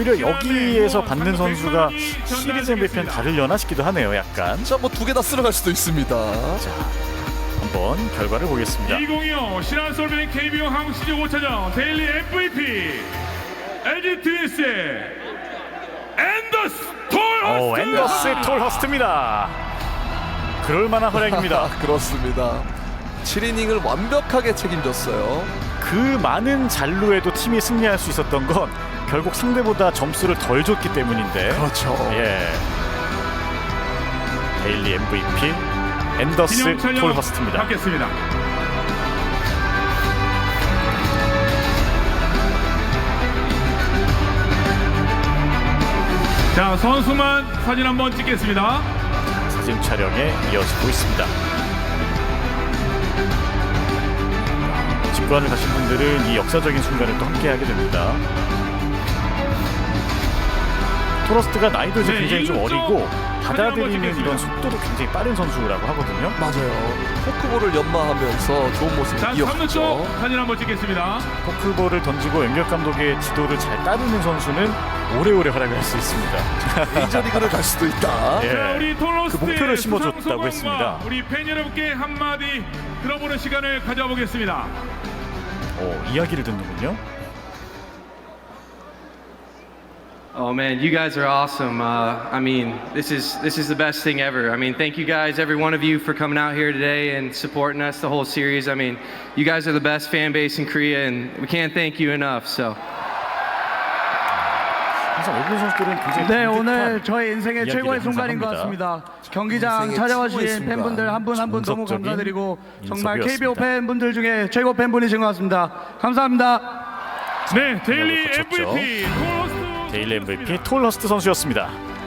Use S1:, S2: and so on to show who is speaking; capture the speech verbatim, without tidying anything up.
S1: 오히려 여기에서 받는 선수가 시리즈 엠브이피는 다르려나 싶기도 하네요. 약간.
S2: 자, 뭐 두 개 다 쓸어갈 수도 있습니다.
S1: 자, 한번 결과를 보겠습니다.
S3: 이천이십오 신한 솔뱅 케이비오 한국 시즌 오 차전 데일리 엠브이피 엘지 트윈스의 앤더스
S1: 오,
S3: 톨허스트.
S1: 앤더스 톨허스트입니다. 그럴만한 활약입니다.
S2: 그렇습니다. 칠 이닝을 완벽하게 책임졌어요.
S1: 그 많은 잔루에도 팀이 승리할 수 있었던 건 결국 상대보다 점수를 덜 줬기 때문인데.
S2: 그렇죠.
S1: 예. 데일리 엠브이피 앤더스 톨허스트입니다.
S3: 받겠습니다. 자, 선수만 사진 한번 찍겠습니다.
S1: 사진 촬영에 이어지고 있습니다. 직관을 가신 분들은 이 역사적인 순간을 또 함께하게 됩니다. 톨허스트가 나이도 이제
S3: 네,
S1: 굉장히 좀
S3: 일곱 점
S1: 어리고
S3: 사진 한번
S1: 받아들이는
S3: 찍겠습니다.
S1: 이런 속도도 굉장히 빠른 선수라고 하거든요.
S2: 맞아요. 포크볼을 연마하면서 좋은 모습을
S3: 자, 삼 루
S2: 이어갔죠.
S3: 쪽 사진 한번 찍겠습니다.
S1: 포크볼을 던지고 연결 감독의 지도를 잘 따르는 선수는 오래오래 활약을 할 수 있습니다.
S2: 메이저리그를 갈 수도 있다.
S1: 예.
S3: 자, 우리 톨로스트의
S1: 그 목표를 심어줬다고
S3: 수상 소감과
S1: 했습니다.
S3: 우리 팬 여러분께 한마디 들어보는 시간을 가져보겠습니다.
S1: 오, 이야기를 듣는군요.
S4: Oh man, you guys are awesome. Uh, I mean, this is this is the best thing ever. I mean, thank you guys, every one of you, for coming out here today and supporting us the whole series. I mean, you guys are the best fan base in Korea, and we can't thank you enough. So.
S1: 항상 외국인 선수들은 굉장히
S5: 네,
S1: 감격한
S5: 오늘 저의 인생의
S1: 이야기를
S5: 최고의
S1: 항상
S5: 순간인 것
S1: 합니다.
S5: 같습니다. 경기장
S2: 인생의
S5: 찾아와주신
S2: 최고의 순간.
S5: 팬분들 한 분 한 분 너무
S1: 정석적인
S5: 감사드리고 정말
S1: 인터뷰였습니다.
S5: 케이비오 팬분들 중에 최고 팬분이신 것 같습니다. 감사합니다.
S3: 네, 데일리
S1: 거쳤죠.
S3: 엠브이피 톨로스트
S1: 데일리 엠브이피 톨허스트 선수였습니다.